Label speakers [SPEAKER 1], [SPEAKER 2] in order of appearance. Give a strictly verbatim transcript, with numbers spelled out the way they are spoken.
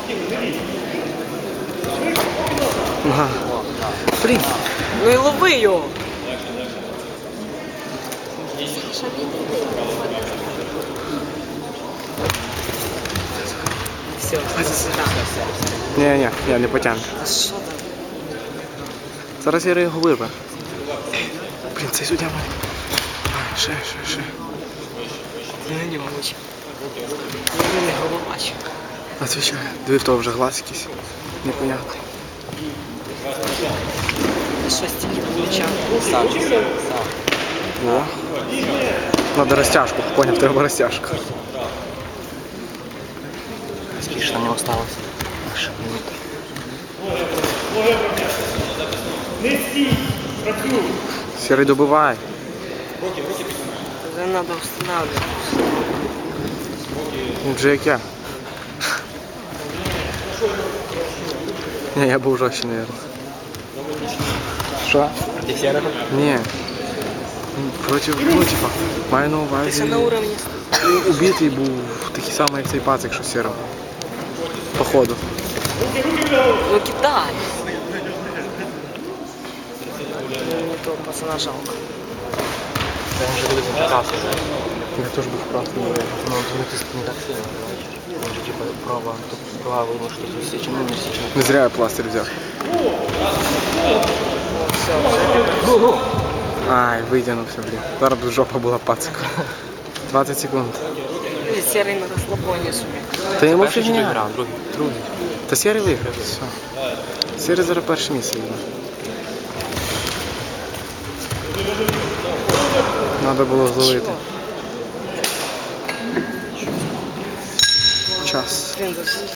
[SPEAKER 1] Ага. Блін.
[SPEAKER 2] Ну і лови його. Все, сюди.
[SPEAKER 1] Ні-ні, я не потягну.
[SPEAKER 2] А що там?
[SPEAKER 1] Зараз я його вирве. Блін, цей суддя мене. Ай, ще, ще, ще.
[SPEAKER 2] Не нього очі. Він не головач.
[SPEAKER 1] Отвічаю. Диви, в того вже глаз якийсь. Непонятний.
[SPEAKER 2] Що стільки плеча?
[SPEAKER 3] Сам, сам.
[SPEAKER 1] О. Надо розтяжку. Поняв, треба розтяжку.
[SPEAKER 3] Скільки ж там не осталось? Аж минута.
[SPEAKER 1] Сірий добивай.
[SPEAKER 2] Вже треба встановлювати.
[SPEAKER 1] Він вже як я. Ні, я був жорстче, мабуть. Що?
[SPEAKER 3] Проти сірого?
[SPEAKER 1] Ні. Проти, ну, типа, маю на
[SPEAKER 2] Ти
[SPEAKER 1] увазі.
[SPEAKER 2] ще на уровні.
[SPEAKER 1] Убитий був такий самий, як цей пацик, що сірого. Походу.
[SPEAKER 2] Ну кидай. Мені того пацана жалко.
[SPEAKER 3] Він вже буде запитався.
[SPEAKER 1] Я теж був красний.
[SPEAKER 3] Ну, він тиск не так сильно, бачиш? Він же, типа, права, тут права видно, що тут січено, не січено.
[SPEAKER 1] Не зря я пластир взяв. Ай, витягнувся, блін. Зараз б жопа була пацика. двадцять секунд.
[SPEAKER 2] Сірий на розслабоні собі.
[SPEAKER 1] Та йому
[SPEAKER 3] Перший чи
[SPEAKER 1] фігня.
[SPEAKER 3] виграв, другий?
[SPEAKER 1] Другий. Та Сірий виграв, все. Сірий зараз перше місце йде. Надо було зловити. Час.
[SPEAKER 2] Блін, за